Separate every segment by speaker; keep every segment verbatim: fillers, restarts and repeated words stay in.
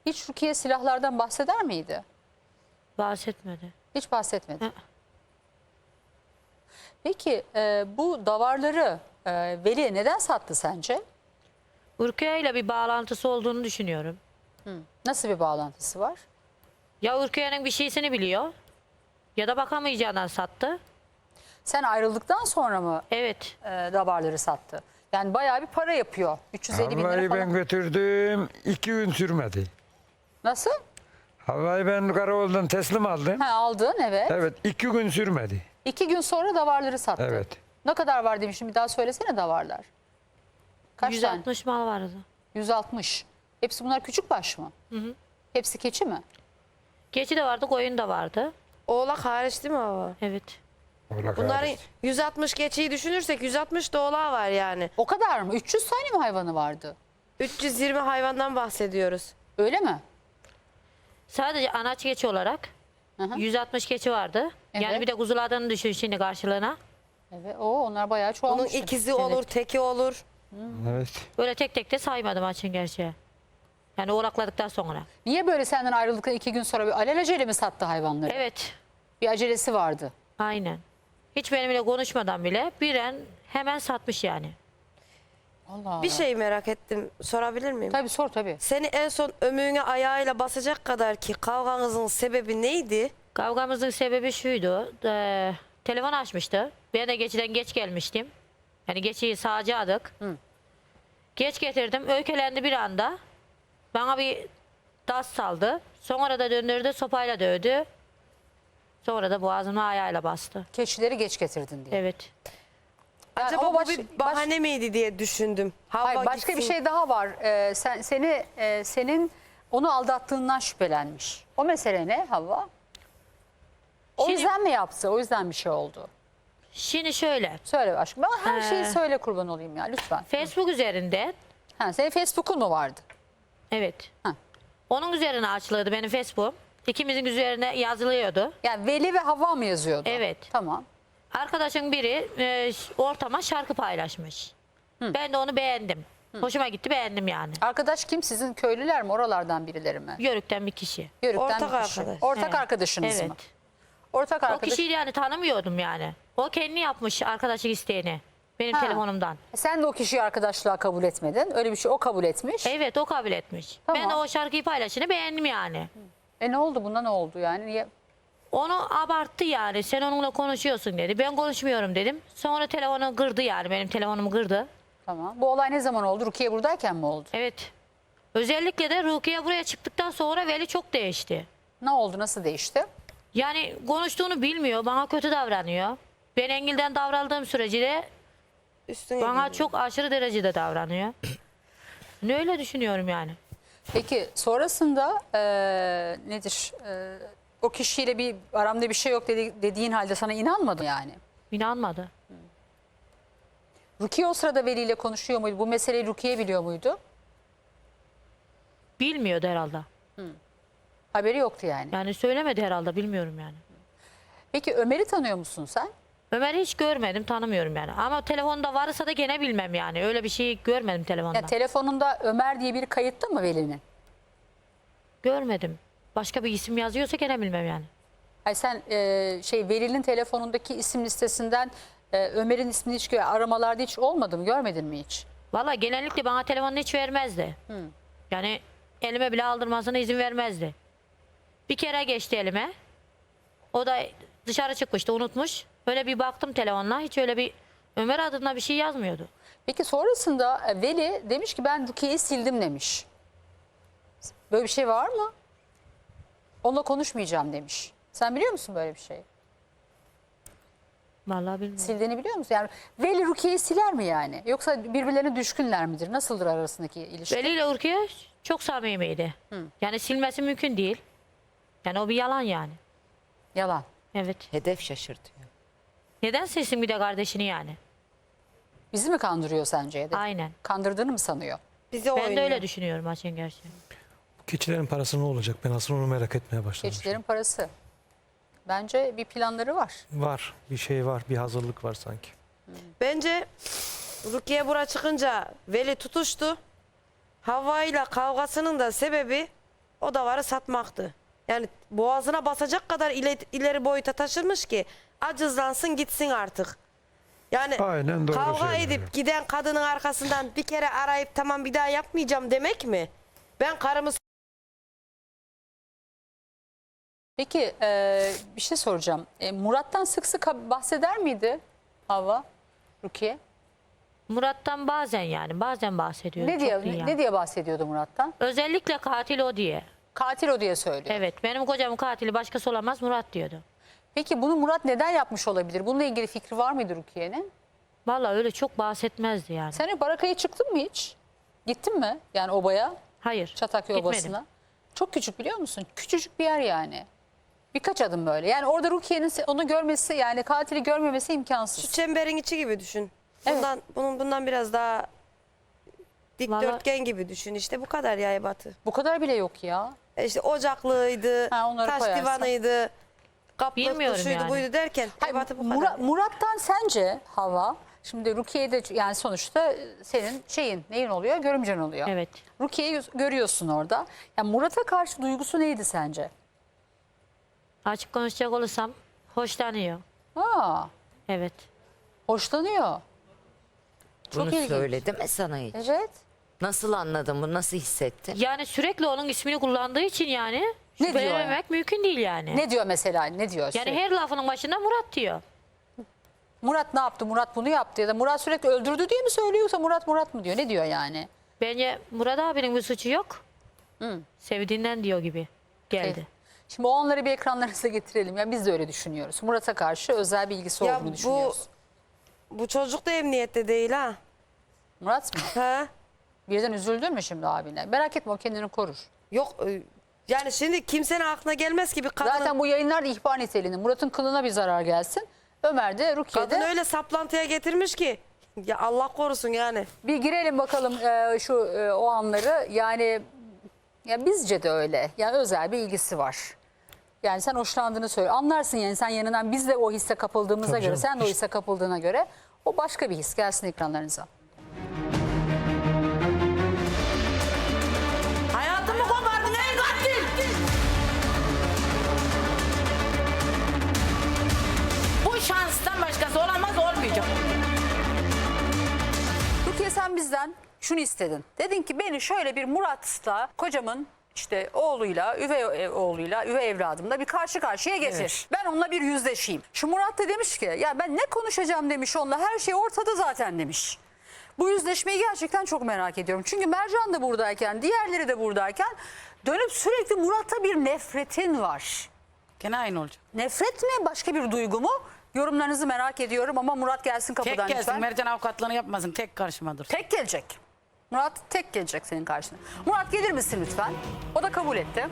Speaker 1: Hiç Rukiye silahlardan bahseder miydi?
Speaker 2: Bahsetmedi.
Speaker 1: Hiç bahsetmedi.
Speaker 2: Hı.
Speaker 1: Peki e, bu davarları e, Veli neden sattı sence?
Speaker 2: Urkiye ile bir bağlantısı olduğunu düşünüyorum.
Speaker 1: Nasıl bir bağlantısı var?
Speaker 2: Ya Urkiye'nin bir şeysini biliyor ya da bakamayacağından sattı.
Speaker 1: Sen ayrıldıktan sonra mı
Speaker 2: Evet.
Speaker 1: e, davarları sattı? Yani bayağı bir para yapıyor. üç yüz elli bin lira
Speaker 3: Havva'yı
Speaker 1: falan.
Speaker 3: ben götürdüm. iki gün sürmedi.
Speaker 1: Nasıl?
Speaker 3: Havva'yı ben Karaoğlu'dan teslim aldım.
Speaker 1: Ha, aldın evet.
Speaker 3: Evet, iki gün sürmedi.
Speaker 1: İki gün sonra davarları sattı.
Speaker 3: Evet.
Speaker 1: Ne kadar var demiştim, bir daha söylesene davarlar. Kaç
Speaker 2: yüz
Speaker 1: tane?
Speaker 2: altmış mal vardı.
Speaker 1: yüz altmış. Hepsi bunlar küçük baş mı?
Speaker 2: Hı hı.
Speaker 1: Hepsi keçi mi?
Speaker 2: Keçi de vardı, koyun da vardı.
Speaker 4: Oğlak hariç değil mi baba?
Speaker 2: Evet.
Speaker 3: Oğlak
Speaker 4: Bunların
Speaker 3: hariç.
Speaker 4: yüz altmış geçiyi düşünürsek yüz altmış da oğlağı var yani.
Speaker 1: O kadar mı? üç yüz tane mi hayvanı vardı?
Speaker 4: üç yüz yirmi hayvandan bahsediyoruz.
Speaker 1: Öyle mi?
Speaker 2: Sadece anaç keçi olarak
Speaker 1: Hı hı.
Speaker 2: yüz altmış keçi vardı.
Speaker 1: Evet.
Speaker 2: Yani bir de kuzulardan düşün şimdi karşılığına.
Speaker 1: Evet. O onlar bayağı
Speaker 4: Onun
Speaker 1: çoğalmış.
Speaker 4: ikizi olur, teki olur.
Speaker 3: Evet.
Speaker 2: Böyle tek tek de saymadım açın gerçeği. Yani oğlakladıktan sonra.
Speaker 1: Niye böyle senden ayrıldıktan iki gün sonra bir alelacele mi sattı hayvanları?
Speaker 2: Evet.
Speaker 1: Bir acelesi vardı.
Speaker 2: Aynen. Hiç benimle konuşmadan bile biren hemen satmış yani.
Speaker 1: Allah Allah.
Speaker 4: Bir şey merak ettim, sorabilir miyim?
Speaker 1: Tabii sor tabii.
Speaker 4: Seni en son ömüğüne ayağıyla basacak kadar ki kavganızın sebebi neydi?
Speaker 2: Kavgamızın sebebi şuydu. E, telefon açmıştı. Ben de geçiden geç gelmiştim. Yani geçiyi sağacaktık.
Speaker 1: Hı.
Speaker 2: Geç getirdim. Öykelendi bir anda. Bana bir tas saldı. Sonra da döndürdü, sopayla dövdü. Sonra da boğazıma ayağıyla bastı.
Speaker 1: Keçileri geç getirdin diye.
Speaker 2: Evet.
Speaker 1: Yani
Speaker 4: Acaba
Speaker 1: ama
Speaker 4: bu
Speaker 1: baş-
Speaker 4: bir
Speaker 1: baş-
Speaker 4: bahane miydi diye düşündüm. Havva
Speaker 1: Hayır, başka bir
Speaker 4: gitsin.
Speaker 1: şey daha var. Ee, sen seni e, senin onu aldattığından şüphelenmiş. O mesele ne Havva? O
Speaker 2: Şimdi-
Speaker 1: yüzden mi yaptı? O yüzden bir şey oldu.
Speaker 2: Şimdi şöyle.
Speaker 1: Söyle aşkım. Bana her şeyi
Speaker 2: Ee,
Speaker 1: söyle, kurban olayım ya lütfen.
Speaker 2: Facebook üzerinden.
Speaker 1: Ha, senin Facebook'un mu vardı?
Speaker 2: Evet.
Speaker 1: Ha.
Speaker 2: Onun üzerine açılıyordu benim Facebook. İkimizin üzerine yazılıyordu.
Speaker 1: Yani Veli ve Havva mı yazıyordu?
Speaker 2: Evet.
Speaker 1: Tamam.
Speaker 2: Arkadaşın biri e, ortama şarkı paylaşmış. Ben de onu beğendim. Hoşuma gitti, beğendim yani.
Speaker 1: Arkadaş kim? Sizin köylüler mi? Oralardan birileri mi?
Speaker 2: Yörükten bir kişi.
Speaker 1: Yörükten
Speaker 4: Ortak
Speaker 1: bir kişi.
Speaker 4: arkadaş.
Speaker 1: Ortak
Speaker 2: Evet.
Speaker 1: arkadaşınız
Speaker 2: Evet.
Speaker 1: mı? Ortak
Speaker 2: O
Speaker 1: arkadaş.
Speaker 2: kişiyi yani tanımıyordum yani. O kendi yapmış arkadaşlık isteğini. Benim
Speaker 1: Ha.
Speaker 2: telefonumdan.
Speaker 1: Sen de o kişiyi arkadaşlığa kabul etmedin. Öyle bir şey o kabul etmiş.
Speaker 2: Evet, o kabul etmiş.
Speaker 1: Tamam.
Speaker 2: Ben de o şarkıyı paylaşını beğendim yani.
Speaker 1: E ne oldu? Bunda ne oldu yani? Niye?
Speaker 2: Onu abarttı yani. Sen onunla konuşuyorsun dedi. Ben konuşmuyorum dedim. Sonra telefonu kırdı yani. Benim telefonumu kırdı.
Speaker 1: Tamam. Bu olay ne zaman oldu? Rukiye buradayken mi oldu?
Speaker 2: Evet. Özellikle de Rukiye buraya çıktıktan sonra Veli çok değişti.
Speaker 1: Ne oldu? Nasıl değişti?
Speaker 2: Yani konuştuğunu bilmiyor. Bana kötü davranıyor. Ben Engil'den davrandığım sürece de
Speaker 4: Üstüne
Speaker 2: bana
Speaker 4: gidiyor.
Speaker 2: çok aşırı derecede davranıyor. Ne öyle düşünüyorum yani.
Speaker 1: Peki sonrasında eee, nedir? Eee, o kişiyle bir aramda bir şey yok dedi, dediğin halde sana inanmadı yani.
Speaker 2: İnanmadı.
Speaker 1: Rukiye o sırada Veli ile konuşuyor muydu? Bu meseleyi Rukiye biliyor muydu?
Speaker 2: Bilmiyordu herhalde.
Speaker 1: Haberi yoktu yani.
Speaker 2: Yani söylemedi herhalde, bilmiyorum yani.
Speaker 1: Peki Ömer'i tanıyor musun sen?
Speaker 2: Ömer'i hiç görmedim, tanımıyorum yani. Ama telefonda varsa da gene bilmem yani. Öyle bir şey görmedim telefonda.
Speaker 1: Ya telefonunda Ömer diye biri kayıtlı mı Veli'nin?
Speaker 2: Görmedim. Başka bir isim yazıyorsa gene bilmem yani.
Speaker 1: Hayır, sen eee, şey Veli'nin telefonundaki isim listesinden eee, Ömer'in ismini hiç gö- aramalarda hiç olmadı mı? Görmedin mi hiç?
Speaker 2: Valla genellikle bana telefonunu hiç vermezdi. Yani elime bile aldırmasına izin vermezdi. Bir kere geçti elime. O da dışarı çıkmıştı, unutmuş. Öyle bir baktım telefonla, hiç öyle bir Ömer adına bir şey yazmıyordu.
Speaker 1: Peki sonrasında e, Veli demiş ki ben Rukiye'yi sildim demiş. Böyle bir şey var mı? Onunla konuşmayacağım demiş. Sen biliyor musun böyle bir şey?
Speaker 2: Vallahi bilmiyorum.
Speaker 1: Sildiğini biliyor musun? Yani Veli Rukiye'yi siler mi yani? Yoksa birbirlerine düşkünler midir? Nasıldır arasındaki ilişki?
Speaker 2: Veli ile Urkiye çok samimiydi. Yani silmesi mümkün değil. Yani o bir yalan yani.
Speaker 1: Yalan.
Speaker 2: Evet.
Speaker 5: Hedef şaşırtıyor.
Speaker 2: Neden silsin bir de kardeşini yani?
Speaker 1: Bizi mi kandırıyor sence? Hedef?
Speaker 2: Aynen.
Speaker 1: Kandırdığını mı sanıyor?
Speaker 4: Bize
Speaker 2: Ben
Speaker 4: oynuyor.
Speaker 2: de öyle düşünüyorum açın gerçeği.
Speaker 6: Keçilerin parası ne olacak? Ben aslında onu merak etmeye başladım.
Speaker 1: Keçilerin parası. Bence bir planları var.
Speaker 6: Var. Bir şey var. Bir hazırlık var sanki.
Speaker 4: Bence Rukiye bura çıkınca Veli tutuştu. Havva ile kavgasının da sebebi o davarı satmaktı. Yani boğazına basacak kadar ileri, ileri boyuta taşırmış ki acızlansın gitsin artık. Yani
Speaker 3: Aynen doğru
Speaker 4: kavga
Speaker 3: söylüyor.
Speaker 4: edip giden kadının arkasından bir kere arayıp tamam bir daha yapmayacağım demek mi? Ben karımı
Speaker 1: Peki e, bir şey soracağım. E, Murat'tan sık sık bahseder miydi Havva, Rukiye?
Speaker 2: Murat'tan bazen yani bazen bahsediyor.
Speaker 1: Ne
Speaker 2: çok
Speaker 1: diye
Speaker 2: değil yani.
Speaker 1: ne diye bahsediyordu Murat'tan?
Speaker 2: Özellikle katil o diye.
Speaker 1: Katil o diye söylüyor.
Speaker 2: Evet, benim kocamın katili başkası olamaz Murat diyordu.
Speaker 1: Peki bunu Murat neden yapmış olabilir? Bununla ilgili fikri var mıydı Rukiye'nin?
Speaker 2: Vallahi öyle çok bahsetmezdi yani.
Speaker 1: Sen Baraka'ya çıktın mı hiç? Gittin mi? Yani obaya,
Speaker 2: Hayır.
Speaker 1: Çatakya
Speaker 2: gitmedim.
Speaker 1: Obası'na. Çok küçük biliyor musun? Küçücük bir yer yani. Birkaç adım böyle. Yani orada Rukiye'nin onu görmesi, yani katili görmemesi imkansız.
Speaker 4: şu çemberin içi gibi düşün.
Speaker 1: Evet.
Speaker 4: Bundan bunun bundan biraz daha dikdörtgen
Speaker 2: Vallahi-
Speaker 4: gibi düşün. İşte bu kadar ya ebatı.
Speaker 1: Bu kadar bile yok ya.
Speaker 4: E İşte ocaklığıydı,
Speaker 1: Ha, onları
Speaker 4: taş
Speaker 1: koyarsan.
Speaker 4: divanıydı, kaplıktı,
Speaker 2: Bilmiyorum
Speaker 4: şuydu
Speaker 2: yani.
Speaker 4: buydu derken
Speaker 1: Hayır,
Speaker 4: ebatı bu kadar.
Speaker 1: Murat- Murat'tan sence Hava, şimdi Rukiye'de yani sonuçta senin şeyin neyin oluyor? Görümcen oluyor.
Speaker 2: Evet.
Speaker 1: Rukiye'yi görüyorsun orada. Yani Murat'a karşı duygusu neydi sence?
Speaker 2: Açık konuşacak olursam hoşlanıyor.
Speaker 1: Aa,
Speaker 2: Evet.
Speaker 1: hoşlanıyor. Çok
Speaker 5: Bunu
Speaker 1: ilginç.
Speaker 5: söyledi mi sana hiç?
Speaker 1: Evet.
Speaker 5: Nasıl anladın bunu? Nasıl hissettin?
Speaker 2: Yani sürekli onun ismini kullandığı için yani
Speaker 1: Ne diyor
Speaker 2: şüphelenemek mümkün değil yani.
Speaker 1: Ne diyor mesela? Ne diyor?
Speaker 2: Yani
Speaker 1: sürekli?
Speaker 2: her lafının başında Murat diyor.
Speaker 1: Murat ne yaptı? Murat bunu yaptı ya da Murat sürekli öldürdü diye mi söylüyor yoksa Murat Murat mı diyor? Ne diyor yani?
Speaker 2: Bence Murat abinin bir suçu yok. Sevdiğinden diyor gibi geldi.
Speaker 1: Evet. Şimdi o onları bir ekranlarınıza getirelim. Ya biz de öyle düşünüyoruz. Murat'a karşı özel bir ilgisi
Speaker 4: Ya
Speaker 1: olduğunu
Speaker 4: bu
Speaker 1: düşünüyoruz.
Speaker 4: bu çocuk da emniyette değil ha.
Speaker 1: Murat mı?
Speaker 4: Ha?
Speaker 1: Birden üzüldün mü şimdi abine? Merak etme, o kendini korur.
Speaker 4: Yok e, yani şimdi kimsenin aklına gelmez ki bir kadın.
Speaker 1: Zaten bu yayınlar da ihbar niteliğinde. Murat'ın kılına bir zarar gelsin. Ömer de Rukiye'de.
Speaker 4: Kadın öyle saplantıya getirmiş ki. Ya Allah korusun yani.
Speaker 1: Bir girelim bakalım e, şu e, o anları. Yani ya bizce de öyle. Yani özel bir ilgisi var. Yani sen hoşlandığını söyle. Anlarsın yani, sen yanından biz de o hisse kapıldığımıza
Speaker 6: Tabii
Speaker 1: göre,
Speaker 6: canım.
Speaker 1: sen de o hisse kapıldığına göre o başka bir his. Gelsin ekranlarınıza.
Speaker 7: Hayatımı kopardın ey katil! Bu şanstan başkası olamaz, olmayacak.
Speaker 1: Rukiye, sen bizden şunu istedin. Dedin ki beni şöyle bir Murat'la, kocamın işte oğluyla, üvey oğluyla, üvey evladımla bir karşı karşıya getir. Ben onunla bir yüzleşeyim. Şu Murat da demiş ki ya ben ne konuşacağım demiş onunla, her şey ortada zaten demiş. Bu yüzleşmeyi gerçekten çok merak ediyorum. Çünkü Mercan da buradayken, diğerleri de buradayken dönüp sürekli Murat'a bir nefretin var.
Speaker 7: Gene aynı olacak.
Speaker 1: Nefret mi, başka bir duygu mu? Yorumlarınızı merak ediyorum ama Murat gelsin
Speaker 7: Tek
Speaker 1: kapıdan
Speaker 7: gelsin,
Speaker 1: lütfen.
Speaker 7: Mercan avukatlığını yapmasın, tek karşıma dursun.
Speaker 1: Tek gelecek. Murat tek gelecek senin karşına. Murat gelir misin lütfen? O da kabul etti.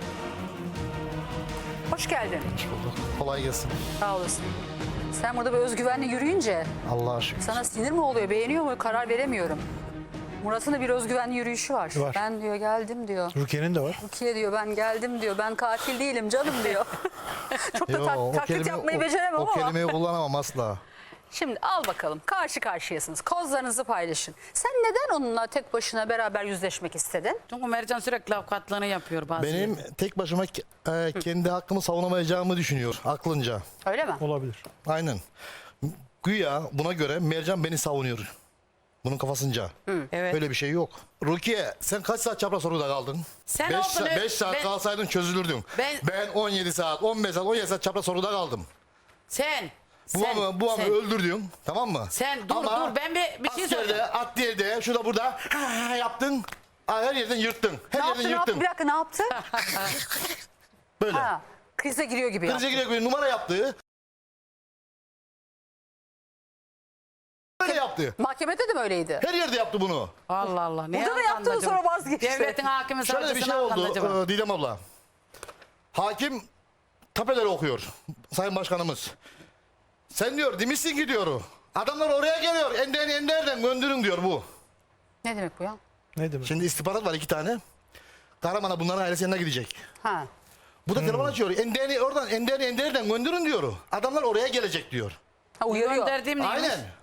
Speaker 1: Hoş geldin.
Speaker 8: Kolay gelsin.
Speaker 1: Sağ olasın. Sen burada bir özgüvenle yürüyünce
Speaker 8: Allah'a şükür.
Speaker 1: sana sinir mi oluyor, beğeniyor mu, karar veremiyorum. Murat'ın da bir özgüvenli yürüyüşü var.
Speaker 6: Var.
Speaker 1: Ben diyor geldim diyor.
Speaker 6: Rukiye'nin de var.
Speaker 1: Rukiye diyor ben geldim diyor. Ben katil değilim canım diyor. Çok da
Speaker 8: Yo,
Speaker 1: tak-
Speaker 8: o
Speaker 1: taklit
Speaker 8: kelime-
Speaker 1: yapmayı
Speaker 8: o-
Speaker 1: beceremem
Speaker 8: o
Speaker 1: ama.
Speaker 8: kelimeyi kullanamam asla.
Speaker 1: Şimdi al bakalım, karşı karşıyasınız. Kozlarınızı paylaşın. Sen neden onunla tek başına beraber yüzleşmek istedin?
Speaker 7: Çünkü Mercan sürekli avukatlığını yapıyor bazı
Speaker 8: Benim
Speaker 7: yerlerde.
Speaker 8: tek başıma ke- e, kendi hakkımı savunamayacağımı düşünüyor aklınca.
Speaker 1: Öyle mi?
Speaker 6: Olabilir.
Speaker 8: Aynen. Güya buna göre Mercan beni savunuyor. Bunun kafasınca.
Speaker 7: Evet.
Speaker 8: Öyle bir şey yok. Rukiye, sen kaç saat çapraz soruda kaldın?
Speaker 7: Sen
Speaker 8: beş
Speaker 7: oldun, evet.
Speaker 8: saat
Speaker 7: Ben-
Speaker 8: kalsaydın çözülürdün.
Speaker 7: Ben-
Speaker 8: Ben on yedi saat, on beş saat, on yedi saat çapraz soruda kaldım.
Speaker 7: Sen, sen,
Speaker 8: Babamı, babamı
Speaker 7: sen.
Speaker 8: öldürdüm. Tamam mı?
Speaker 7: Sen dur,
Speaker 8: Ama
Speaker 7: dur, ben bir- bir şey
Speaker 8: askerde,
Speaker 7: söyleyeyim.
Speaker 8: adliyede, şurada burada yaptın. Her yerden yırttın. Her
Speaker 1: Ne
Speaker 8: yerden
Speaker 1: yaptı, ne yaptı?
Speaker 8: yırttın.
Speaker 1: Bir dakika, ne yaptı?
Speaker 8: Böyle.
Speaker 1: Ha, krize giriyor gibi
Speaker 8: Krize
Speaker 1: yaptı.
Speaker 8: giriyor, numara yaptı. Böyle yaptı.
Speaker 1: Mahkemede de mi öyleydi?
Speaker 8: Her yerde yaptı bunu.
Speaker 7: Allah Allah. Ne
Speaker 1: Burada da yaptı da
Speaker 7: anladı
Speaker 1: sonra
Speaker 7: acaba?
Speaker 1: vazgeçti.
Speaker 7: Devletin hakimi
Speaker 8: Şöyle bir
Speaker 7: savcısı
Speaker 8: şey
Speaker 7: ne anladı
Speaker 8: oldu
Speaker 7: acaba?
Speaker 8: e, Didem abla. Hakim tapeleri okuyor. Sayın Başkanımız. Sen diyor demişsin ki diyor. Adamlar oraya geliyor. Enden enderden gönderin diyor bu.
Speaker 1: Ne demek bu ya?
Speaker 6: Ne demek?
Speaker 8: Şimdi istihbarat var iki tane. Karaman'a bunların ailesi yanına gidecek.
Speaker 1: Ha.
Speaker 8: Bu da telefon açıyor. Endeni oradan, endeni enderden gönderin diyor. Adamlar oraya gelecek diyor.
Speaker 1: Ha, uyarıyor.
Speaker 7: Gönderdiğim neymiş?
Speaker 8: Aynen.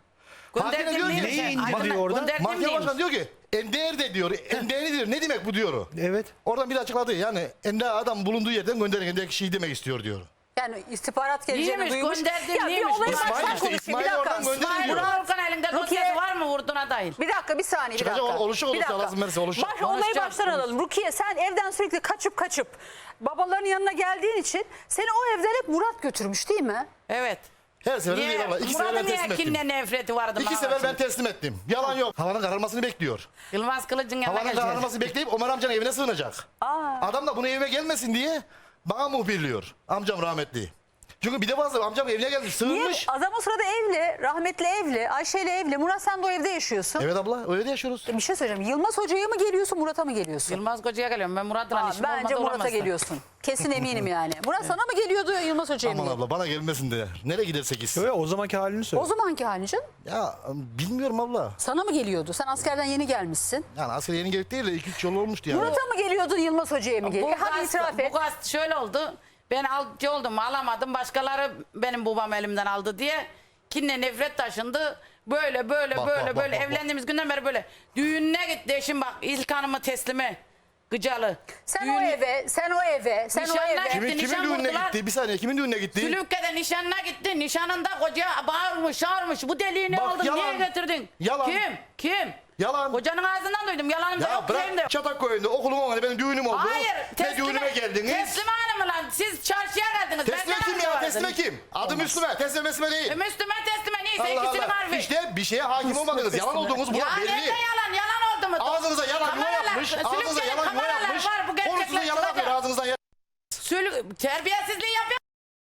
Speaker 8: Hakim de diyor ki,
Speaker 6: Neyi indi diyor orada?
Speaker 8: mahkeme başkanı diyor ki Ender de diyor. Ender diyor. Ne demek bu diyor.
Speaker 6: Evet.
Speaker 8: Oradan bir açıkladı. Yani Ender adam bulunduğu yerden gönderin. Ender kişiyi demek istiyor diyor.
Speaker 1: Yani istihbarat geleceğini
Speaker 7: Neymiş,
Speaker 1: duymuş.
Speaker 7: gönderdim,
Speaker 1: Ya bir
Speaker 7: neymiş?
Speaker 1: olayı
Speaker 7: İsmail
Speaker 1: baştan
Speaker 8: işte,
Speaker 1: konuşayım.
Speaker 8: İsmail
Speaker 1: Bir dakika.
Speaker 8: oradan gönderiliyor.
Speaker 1: İsmail
Speaker 7: Murat Orkan elinde
Speaker 1: Rukiye-
Speaker 7: dosyası var mı vurduğuna dair?
Speaker 1: Bir dakika bir saniye bir
Speaker 8: Çıkacak
Speaker 1: dakika.
Speaker 8: ol- oluşacak
Speaker 1: Bir
Speaker 8: olursa
Speaker 1: dakika.
Speaker 8: lazım verse olacak.
Speaker 1: Baş, olayı
Speaker 7: Konuşacak,
Speaker 1: baştan
Speaker 7: konuş.
Speaker 1: alalım. Rukiye sen evden sürekli kaçıp kaçıp babaların yanına geldiğin için seni o evden hep Murat götürmüş değil mi?
Speaker 7: Evet.
Speaker 8: Her sefer
Speaker 7: Niye?
Speaker 8: değil abla. İki sefer ben
Speaker 7: Murat'ın
Speaker 8: teslim
Speaker 7: niye
Speaker 8: ettim.
Speaker 7: kinle nefreti vardı?
Speaker 8: İki
Speaker 7: bana
Speaker 8: sefer ben
Speaker 7: şimdi?
Speaker 8: teslim ettim. Yalan yok. Havanın kararmasını bekliyor.
Speaker 7: Yılmaz Kılıç'ın yanına
Speaker 8: Havanın
Speaker 7: geleceğiz.
Speaker 8: kararmasını bekleyip Ömer amcanın evine sığınacak. Adam da bunu evime gelmesin diye bana muhbirliyor. Amcam rahmetli. Çünkü bir de bazı amcam evine gelmiş
Speaker 1: Niye?
Speaker 8: sığınmış.
Speaker 1: Adam o sırada evli, rahmetli evli, Ayşe ile evli. Murat sen de o evde yaşıyorsun.
Speaker 8: Evet abla öyle de yaşıyoruz.
Speaker 1: Bir şey söyleyeceğim. Yılmaz Hoca'ya mı geliyorsun, Murat'a mı geliyorsun?
Speaker 7: Yılmaz Koca'ya geliyorum. Ben Murat'la
Speaker 1: Aa,
Speaker 7: işim
Speaker 1: bence
Speaker 7: olmadı
Speaker 1: Murat'a
Speaker 7: olamazdı.
Speaker 1: geliyorsun. Kesin eminim yani. Murat sana mı geliyordu, Yılmaz Hoca'ya mı
Speaker 8: Aman
Speaker 1: geliyordu?
Speaker 8: abla bana gelmesin de. Nereye gidersek gitsin.
Speaker 6: Yo, yo, o zamanki halini söyle.
Speaker 1: O zamanki halin canım.
Speaker 8: Ya bilmiyorum abla.
Speaker 1: Sana mı geliyordu? Sen askerden yeni gelmişsin.
Speaker 8: Yani asker yeni gelip değil de iki üç yol olmuştu yani.
Speaker 1: Murat'a mı geliyordun, Yılmaz Hoca'ya mı
Speaker 7: Bu
Speaker 1: geliyordun? Hadi
Speaker 7: gaz,
Speaker 1: itiraf et.
Speaker 7: bu gaz şöyle oldu. Ben alıcı oldum alamadım. Başkaları benim babam elimden aldı diye kinle nefret taşındı. Böyle böyle
Speaker 8: Bak,
Speaker 7: böyle
Speaker 8: bak,
Speaker 7: böyle
Speaker 8: bak, bak,
Speaker 7: evlendiğimiz günden beri böyle. Düğününe gitti eşim bak ilk hanımı teslimi. Gıcalı.
Speaker 1: Sen
Speaker 7: Düğün-
Speaker 1: o eve, sen o eve, sen o
Speaker 7: Nişanlar
Speaker 1: eve.
Speaker 7: gitti.
Speaker 8: Kimin, kimin
Speaker 7: nişan
Speaker 8: düğününe
Speaker 7: vurdular.
Speaker 8: gitti? Bir saniye kimin düğününe gitti?
Speaker 7: Sülükke'de nişanına gitti. Nişanında koca bağırmış çağırmış. Bu deliğini
Speaker 8: Bak,
Speaker 7: aldın
Speaker 8: yalan.
Speaker 7: niye getirdin?
Speaker 8: Yalan.
Speaker 7: Kim? Kim?
Speaker 8: Yalan.
Speaker 7: Kocanın ağzından duydum. Yalanım da
Speaker 8: Ya
Speaker 7: yok diyeyim de
Speaker 8: bırak
Speaker 7: yok.
Speaker 8: Çatak koyunda okulun önünde benim düğünüm oldu.
Speaker 7: Hayır.
Speaker 8: Ne düğünüme geldiniz?
Speaker 7: Teslime hanımı lan. Siz çarşıya geldiniz.
Speaker 8: Teslime
Speaker 7: Benden
Speaker 8: kim
Speaker 7: önce
Speaker 8: ya?
Speaker 7: vardınız.
Speaker 8: Teslime kim? Adı Müslüme. Teslime Müslüme değil.
Speaker 7: E, Müslüme teslime neyse
Speaker 8: Allah
Speaker 7: ikisinin
Speaker 8: Allah.
Speaker 7: harfi.
Speaker 8: İşte bir şeye hakim olmadınız. Yalan olduğunuz bu
Speaker 7: Ya
Speaker 8: belli.
Speaker 7: nerede yalan? Yalan oldu mu?
Speaker 8: Ağzınıza yalan yuva
Speaker 7: Kameralar-
Speaker 8: yapmış. Ağzınıza
Speaker 7: Sülüklerin
Speaker 8: yalan yuva
Speaker 7: kameralar
Speaker 8: yapmış.
Speaker 7: var, bu gerçekler
Speaker 8: Konusunda yalan
Speaker 7: çıkacak.
Speaker 8: yapıyor. Ağzınızdan yalan.
Speaker 7: Sülük, terbiyesizliği yapıyor.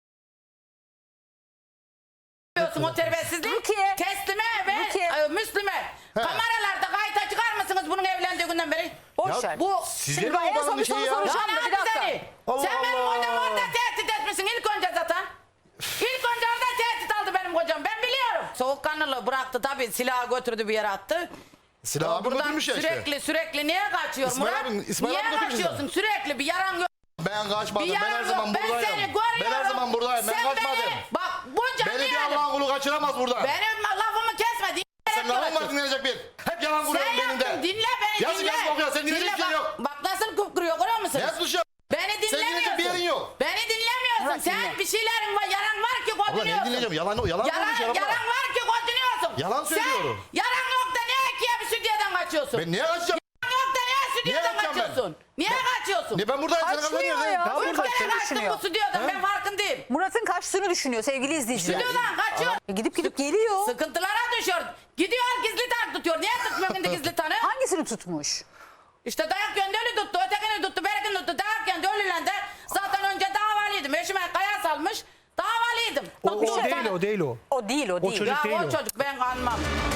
Speaker 7: Yapıyorsun o terbiyesizliği.
Speaker 1: Rukiye.
Speaker 7: Teslime ve
Speaker 1: Rukiye.
Speaker 7: e, Müslüme. Kameralarda kayıta çıkar mısınız bunun evlendiği günden beri?
Speaker 1: Boş
Speaker 8: Ya
Speaker 1: ver.
Speaker 7: Bu
Speaker 8: Size
Speaker 1: Şimdi
Speaker 8: ne
Speaker 1: ben en son
Speaker 8: odanın
Speaker 1: bir soru
Speaker 8: şeyi ya?
Speaker 1: soracağım.
Speaker 7: Ya
Speaker 1: da
Speaker 7: ne
Speaker 1: bir dakika.
Speaker 7: seni?
Speaker 8: Allah
Speaker 7: Sen benim
Speaker 8: Allah.
Speaker 7: kocamı orada tehdit etmişsin. İlk önce zaten. İlk önce orada tehdit aldı benim kocam. Ben biliyorum. Soğukkanlılığı bıraktı tabii. Silahı götürdü bir yere attı.
Speaker 8: Silah abim
Speaker 7: Buradan
Speaker 8: götürmüş ya işte.
Speaker 7: sürekli sürekli niye kaçıyor
Speaker 8: İsmail
Speaker 7: Murat?
Speaker 8: abin- İsmail
Speaker 7: niye
Speaker 8: abin götürmüş
Speaker 7: kaçıyorsun
Speaker 8: zaten.
Speaker 7: sürekli bir yaran yok.
Speaker 8: Ben kaçmadım.
Speaker 7: Bir
Speaker 8: Ben her
Speaker 7: yaran
Speaker 8: zaman
Speaker 7: yok. Ben
Speaker 8: buradayım.
Speaker 7: seni görüyorum.
Speaker 8: Ben her zaman buradayım. Ben
Speaker 7: Sen
Speaker 8: kaçmadım.
Speaker 7: Beni, bak bunca
Speaker 8: Beni bir
Speaker 7: yani.
Speaker 8: Allah'ın kulu kaçıramaz buradan.
Speaker 7: Benim lafımı kesme.
Speaker 8: Sen
Speaker 7: Dinle.
Speaker 8: lafın var dinlenecek bir. Hep yalan
Speaker 7: Sen
Speaker 8: kuruyorsun benim
Speaker 7: yaptın.
Speaker 8: de.
Speaker 7: Dinle beni
Speaker 8: Yazık
Speaker 7: dinle.
Speaker 8: yazık okuyor. Sen dinleyecek bir
Speaker 7: bak,
Speaker 8: şey yok.
Speaker 7: bak nasıl kıpkırıyor görüyor musun?
Speaker 8: Ne suçu?
Speaker 7: Beni
Speaker 8: dinleyecek bir
Speaker 7: dinlemiyorsun.
Speaker 8: yerin yok.
Speaker 7: Beni dinlemiyorsun.
Speaker 1: Murat,
Speaker 7: Sen
Speaker 1: dinle.
Speaker 7: bir şeylerin var, yaran var ki
Speaker 8: Abla ne
Speaker 7: kodunuyorsun.
Speaker 8: dinleyeceğim? Yalan, yalan,
Speaker 7: Yaran,
Speaker 8: konuşuyor abla.
Speaker 7: yaran var ki kodunuyorsun.
Speaker 8: Yalan söylüyorum.
Speaker 7: Sen yaran yok da niye ikiye bir stüdyodan kaçıyorsun?
Speaker 8: Ben niye kaçacağım?
Speaker 7: Yaran yok da niye stüdyodan
Speaker 8: kaçacağım ben?
Speaker 7: kaçıyorsun? Niye kaçıyorsun?
Speaker 8: Ne ben buradayım. Sen
Speaker 1: Kaçmıyor
Speaker 8: kaçıyorsun.
Speaker 1: ya.
Speaker 8: nereden?
Speaker 7: Üç
Speaker 1: Burada
Speaker 7: kere kaçtım
Speaker 1: düşünüyor.
Speaker 7: bu stüdyodan ben farkındayım.
Speaker 1: Murat'ın kaçtığını düşünüyor sevgili izleyiciler.
Speaker 7: Stüdyodan kaçıyor.
Speaker 1: E gidip gidip geliyor.
Speaker 7: Sıkıntılara düşüyor. Gidiyor gizli tanık tutuyor. Niye tutmuyor şimdi gizli tanık?
Speaker 1: Hangisini tutmuş?
Speaker 7: İşte dayak yöndeli tuttu, ötekini tuttu, berekini tuttu. Dayak yöndeliyle de zaten önce davalıydım. Eşime kaya salmış, davalıydım.
Speaker 6: O,
Speaker 7: Bak,
Speaker 6: o
Speaker 7: bir şey
Speaker 6: değil
Speaker 7: sana-
Speaker 6: o değil o.
Speaker 1: O değil o değil.
Speaker 6: çocuk
Speaker 7: Ya
Speaker 6: değil
Speaker 7: o
Speaker 6: o.
Speaker 7: çocuk ben kanmam.